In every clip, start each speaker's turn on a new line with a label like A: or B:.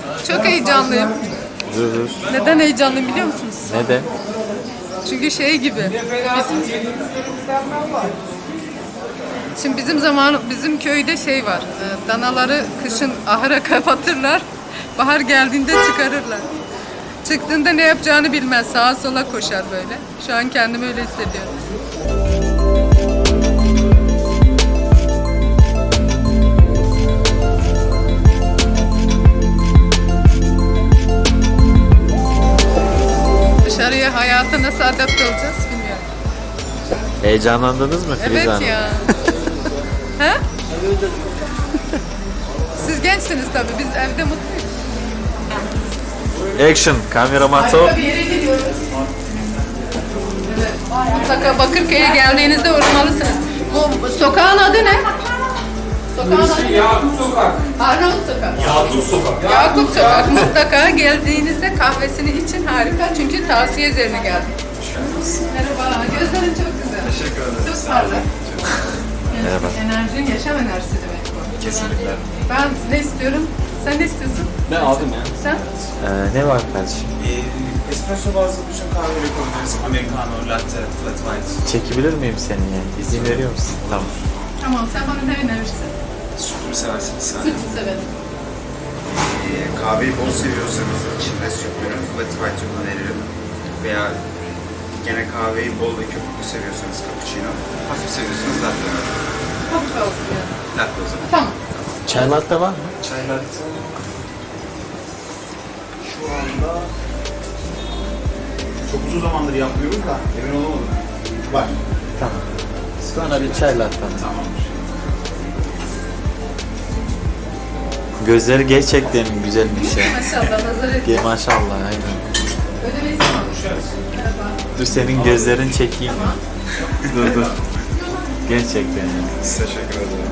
A: Çok heyecanlıyım.
B: Dur.
A: Neden heyecanlıyım biliyor musunuz?
B: Neden?
A: Çünkü şey gibi. Şimdi bizim köyde şey var. Danaları kışın ahıra kapatırlar. Bahar geldiğinde çıkarırlar. Çıktığında ne yapacağını bilmez. Sağa sola koşar böyle. Şu an kendimi öyle hissediyorum. Dışarıya hayata nasıl adapte olacağız bilmiyorum.
B: Heyecanlandınız mı Filiz
A: Evet
B: Hanım?
A: ya. He? Siz gençsiniz tabii. Biz evde mutluyuz.
B: Action, kamera mato.
A: Harika bir yere gidiyoruz. Evet. Mutlaka Bakırköy'e geldiğinizde uğramalısınız. Bu sokağın adı ne? Sokağın adı
C: Yakup Sokak.
A: Arnavut Sokak.
C: Yakup Sokak.
A: Yakup Sokak. Mutlaka geldiğinizde kahvesini için harika. Çünkü tavsiye üzerine geldim. Merhaba. Gözlerin çok güzel.
C: Teşekkür ederim.
A: Çok parlak.
B: Merhaba.
A: Enerjin yaşam enerjisi demek bu.
C: Kesinlikle.
A: Ben ne istiyorum? Sen ne istiyorsun?
C: Ben aldım ya.
A: Sen?
B: Ne var kardeşim?
C: Espresso bazlı bütün kahveleri koyabiliriz. Americano, latte, flat white.
B: Çekebilir miyim seni ya? İzin veriyor musun? Tamam.
A: Tamam. Sen bana ne önerirsin?
C: Sütlü seversiniz sen.
A: Süt severim.
D: Kahveyi bol seviyorsanız içinde sütlü flat white öneririm. Veya gene kahveyi bol ve köpüklü seviyorsanız cappuccino. Hafif seviyorsanız latte.
A: Hafif olsun yani.
D: Latte o zaman.
A: Tamam.
B: Çay latte var mı?
C: Çay latte. Şu anda çok uzun zamandır yapmıyoruz da emin olamadım. Var.
B: Tamam. Bana bir çay latte.
C: Tamamdır.
B: Gözleri gerçekten güzelmiş ya.
A: Maşallah. Nazar et.
B: Maşallah aynen.
A: Ödemeyiz mi? Merhaba.
B: Dur senin gözlerini çekeyim. dur. Gerçekten yani.
D: Teşekkür ederim.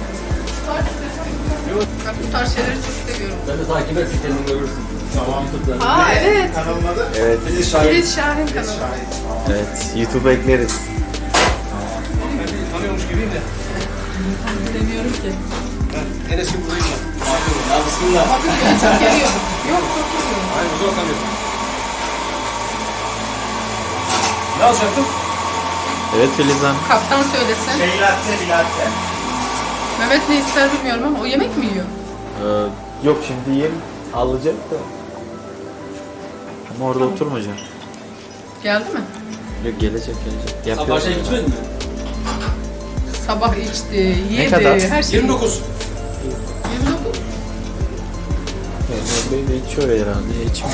A: Ben bu tarz şeyleri çok seviyorum.
E: Sen de takip et, kendin görürsün.
C: Tamam.
A: Aa evet.
C: Kanalın adı?
B: Evet.
C: Filiz Şahin.
A: Filiz Şahin kanalı.
B: Evet. YouTube'a ekleriz.
C: Tanıyormuş gibiyim de.
A: Bilemiyorum ki.
C: En eski buradayım ben. Ya bismillah.
A: Bakın ya çok geliyor. Yok çok geliyor.
C: Hayır burada bakamıyorum. Ne alacaktım?
B: Evet Filiz Hanım.
A: Kaptan söylesin.
C: Şey latte, bir latte.
A: Mehmet ne ister bilmiyorum ama o yemek mi yiyor?
B: Yok şimdi yem alacak da. Ama orada oturmayacak.
A: Geldi mi?
B: Yok gelecek.
E: Sabah şey içmedin mi?
A: Sabah içti, yedi,
B: kadar?
A: her şey.
C: 29.
A: 29.
B: Bey de içiyor herhalde. İçmiyor.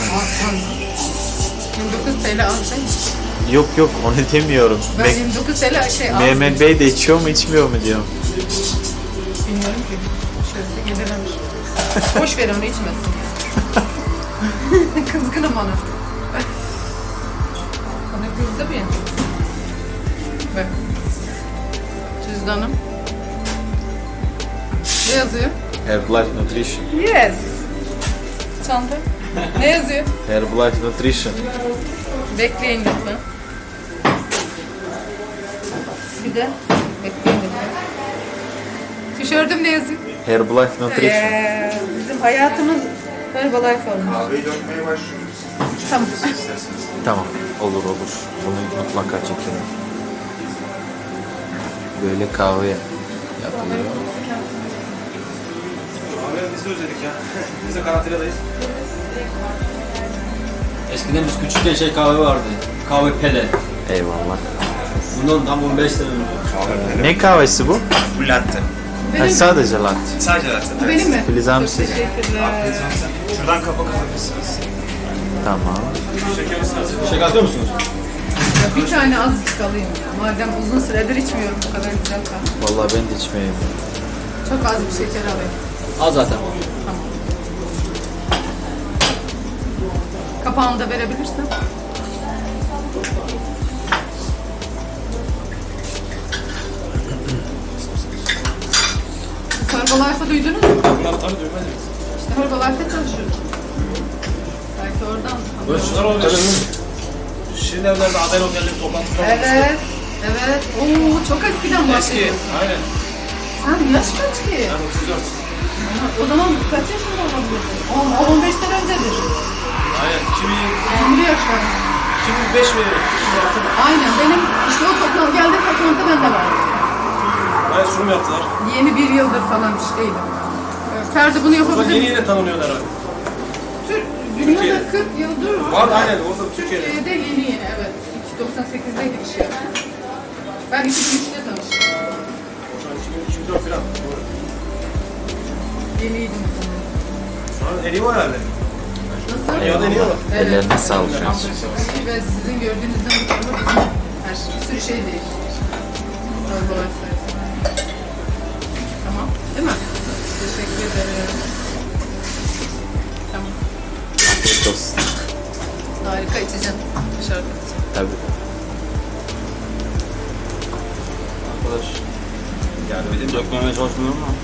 A: 29 TL alsaydı.
B: Yok onu demiyorum.
A: Ben 29 TL şey aldım.
B: Mehmet Bey de içiyor mu içmiyor mu diyorum.
A: Bilmiyorum ki. Şöyle geliremiş. Boş ver onu içmesin. Kızgınım ona. Bana kızdı bir. Bak. Cüzdanım. Ne yazıyor?
B: Herbalife Nutrition.
A: Yes. Çanta. Ne yazıyor?
B: Herbalife Nutrition.
A: Bekleyin lütfen. Bir de bekleyin lütfen. Tişörtüm ne yazıyor?
B: Herbalife Nutrition.
A: Bizim hayatımız Herbalife olmuş.
D: Kahveyi dökmeye başlıyoruz.
A: Tamam.
B: Tamam. Olur. Bunu mutlaka çekelim. Böyle kahve yapılıyor.
C: Abi biz de özledik ya. Biz de karantinadayız.
E: Eskiden biz küçükken şey kahve vardı. Kahve pele.
B: Eyvallah.
E: Bundan tam 15 sene önce.
B: Ne kahvesi bu?
D: Bu latte.
B: Ha, sadece latte.
D: Sadece latte.
A: Bu benim mi?
B: Filiz Hanım
A: Çok
B: siz.
A: teşekkürler.
D: Şuradan kapak alabilirsiniz.
B: Tamam.
E: Şeker atıyor musunuz?
A: Ya bir tane azıcık alayım ya. Madem uzun süredir içmiyorum bu kadar güzel kahve.
B: Vallahi ben de içmeyeyim.
A: Çok az bir şeker alayım.
E: Al zaten.
A: Tamam. Kapağını da verebilirsen. Herbalife'ı duydunuz mu?
C: Bunları tabii duymadım.
A: İşte Herbalife'de çalışıyoruz. Belki oradan.
C: Böyle şunlar oluyor. Şirin evlerde Adel Otel'in toplantıları
A: Evet. Evet. Oo, çok eskiden
C: Eski.
A: bahsediyorsun.
C: Aynen.
A: Sen yaş kaç ki?
C: Ben 34.
A: O zaman kaç yaşında olabilirdin? 10-15 başladım.
F: Şimdi 5 veririm. Şimdi 6 mı?
A: Aynen benim işte o geldiğim toplantı bende var.
F: Bayağı sunum yaptılar.
A: Yeni bir yıldır falan bir şey değilim. Ferdi bunu
F: O zaman
A: yapabilir
F: yeni
A: mi?
F: yeni tanınıyorlar abi.
A: Dünyada
F: Türkiye'de.
A: 40 yıldır
F: Var aynen orada Türkiye'de.
A: Türkiye'de yeni evet. 98'deydi bir şey. Ben 2003'te tanıştım.
F: Şu an 2004 falan. Doğru.
A: Yeniydim o zaman.
F: Şu an en iyi o herhalde.
A: Nasıl?
F: Dünyada en iyi o.
B: Ellerine sağlık.
A: Ve sizin gördüğünüzden bu tarafa bizim her şey, bir sürü şey değişti. Allah sayesinde. Tamam, değil mi? Teşekkür ederim. Tamam,
B: Afiyet olsun.
A: harika içeceğim. Dışarıda içeceğim.
B: Tabii.
F: Arkadaş yardım edeyim. Dökmemeye çalışmıyorum ama.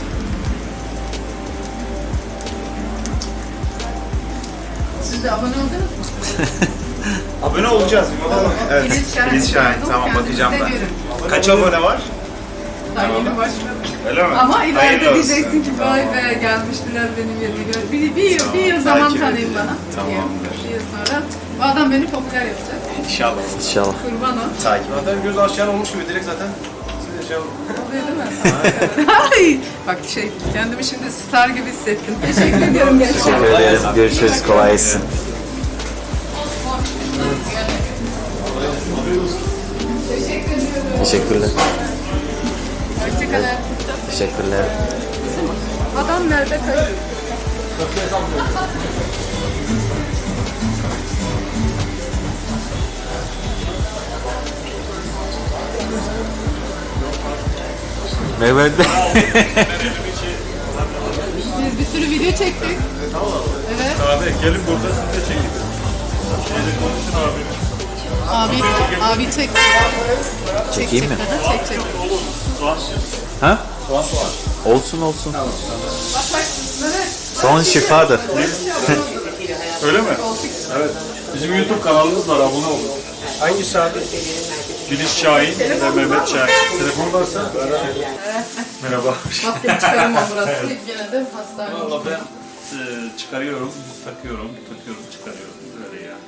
A: Siz de abone oldunuz mu?
D: Abone olacağız. Evet. Filiz Şahin. Tamam
A: Kendinizi
D: bakacağım ben.
A: seviyorum.
D: Kaç abone var?
A: Daha yeni başladım.
D: Öyle mi?
A: Ama ileride
D: Hayırlı olsun.
A: diyeceksin ki vay be gelmiştiler benim yerime. Bir yıl zaman
D: Takip
A: tanıyın
D: edeceğim.
A: bana.
D: Tamamdır.
A: Bir yıl sonra bu adam beni popüler yapacak.
D: İnşallah.
B: İnşallah.
A: Kurban ol.
D: Takip.
F: Zaten göz aşağı olmuş gibi direkt zaten. Siz de şey olun.
A: Oluyor değil mi? Ay, bak kendimi şimdi star gibi hissettim. Teşekkür ediyorum
B: Teşekkür
A: gerçekten.
B: ederim. Görüşürüz. Kolay gelsin.
A: Teşekkür ediyorum.
B: Teşekkürler.
A: Hoşçakalın.
B: Teşekkürler.
A: Adam nerede kayıp?
B: Mehmet
A: Biz bir sürü video çektik. Evet.
G: Abi gelin burada siz de çekin. Şeyle konuşun abi.
A: Abi çek.
B: Çekeyim mi?
A: Çek.
B: Ha? Olsun olsun.
A: Bak Mehmet.
B: Soğan şifadır.
G: Öyle mi? Evet. Bizim YouTube kanalımız var, abone olun.
F: Hangisi abi?
G: Filiz Şahin ve Mehmet Şahin. Telefon varsa merhaba.
A: Maske çıkarımam burası. Gene de hastane.
G: Valla ben çıkarıyorum, takıyorum, çıkarıyorum. Böyle ya.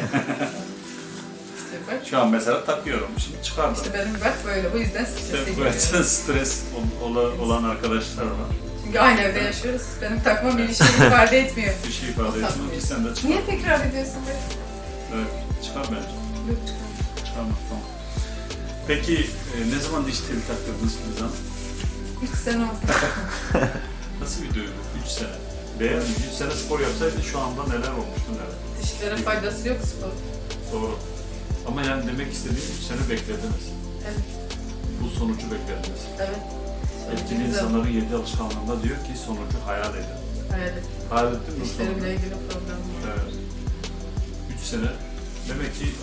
A: Bak,
G: Şu an mesela takıyorum, şimdi çıkardım.
A: işte benim bak böyle. Bu yüzden strese
G: Evet,
A: giriyorum.
G: stres olan arkadaşlar var.
A: Çünkü aynı evde yaşıyoruz. Benim takmam bir şey ifade etmiyor.
G: Bir şey ifade etmiyor ki sen de çıkar.
A: Niye tekrar ediyorsun be?
G: Evet, çıkar bence.
A: Yok çıkar.
G: Çıkarmak tamam. Peki ne zaman diş teli taktırdınız Filiz Hanım?
A: 3 sene oldu.
G: Nasıl bir duygu? 3 sene. Beğen 3 sene spor yapsaydı şu anda neler olmuştu neler?
A: Dişlere faydası yok spor.
G: Doğru. Ama yani demek istediğim 3 sene beklediniz.
A: Evet.
G: Bu sonucu beklediniz.
A: Evet.
G: Etkili
A: Güzel.
G: insanların 7 alışkanlığında diyor ki sonucu hayal edin.
A: Evet.
G: Hayal ettin mi
A: Dişlerimle
G: sonucu?
A: ilgili problem var.
G: Evet. 3 sene. Demek ki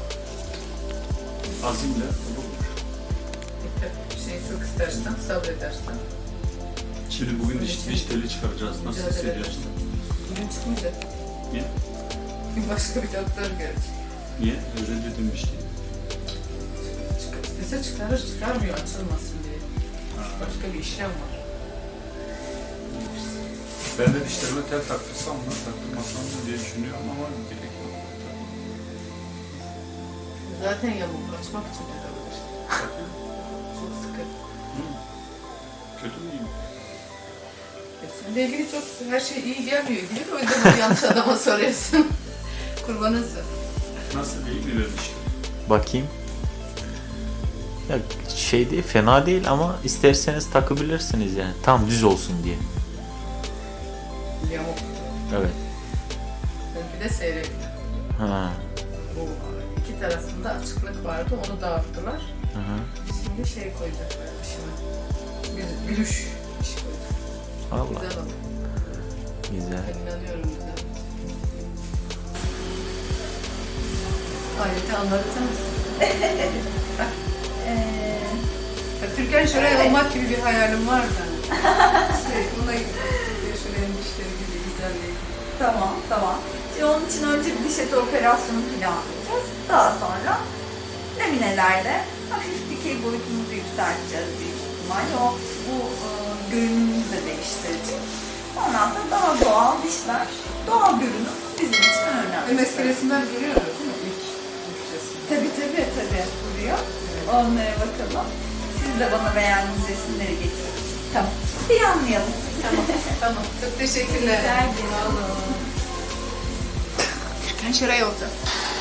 G: azimle bulunmuş.
A: Bir şey çok istersen, sabredersen.
G: Şimdi bugün diş teli çıkaracağız. Nasıl
A: Mücadele
G: hissediyorsun?
A: Bugün çıkmayacak.
G: Niye?
A: Bir başka bir doktor görecek.
G: Niye? Reddedildim diş teli.
A: İstese çıkarır, çıkarmıyor açılmasın diye.
G: Ha.
A: Başka bir işlem var.
G: Ben de dişlerime tel taktırsam mı, taktırmasam mı diye düşünüyorum ama gerek yok.
A: Zaten yamuk açmak için takılır. Çok sıkı.
G: Kötü mü iyi mi?
A: Seninle ilgili çok her şey iyi gelmiyor gibi de o yüzden bunu yanlış adama soruyorsun. Kurbanısın.
G: Nasıl iyi mi vermiş?
B: Bakayım. Ya şey değil, fena değil ama isterseniz takabilirsiniz yani. Tam düz olsun diye.
A: Yamuk.
B: Evet.
A: Bir de seyrek.
B: Ha.
A: Bu iki tarafında açıklık vardı, onu dağıttılar.
B: Hı hı.
A: Şimdi şey koyacaklar dışına. Gülüş işi koyacak.
B: Vallahi
A: Güzel oldu.
B: güzel.
A: Ben inanıyorum güzel. Ayrıca anlatır mısın? Türkan Şoray olmak gibi bir hayalim var da. Buna Şoray'ın dişleri gibi güzelliği.
H: Tamam. Şimdi onun için önce bir diş eti operasyonu planlayacağız. Daha sonra laminelerle hafif dikey boyutumuzu yükselteceğiz büyük ihtimalle. O bu görünümümüzü de değiştirecek. Ondan sonra daha doğal dişler, doğal görünüm bizim için önemli.
A: Eski resimler görüyoruz değil mi? İlk resim.
H: Tabii duruyor. Onlara bakalım. Siz de bana beğendiğiniz resimleri getirin. Tamam. Planlayalım.
A: Tamam. Çok teşekkürler.
H: Rica ederim.
A: Ben şuraya otur.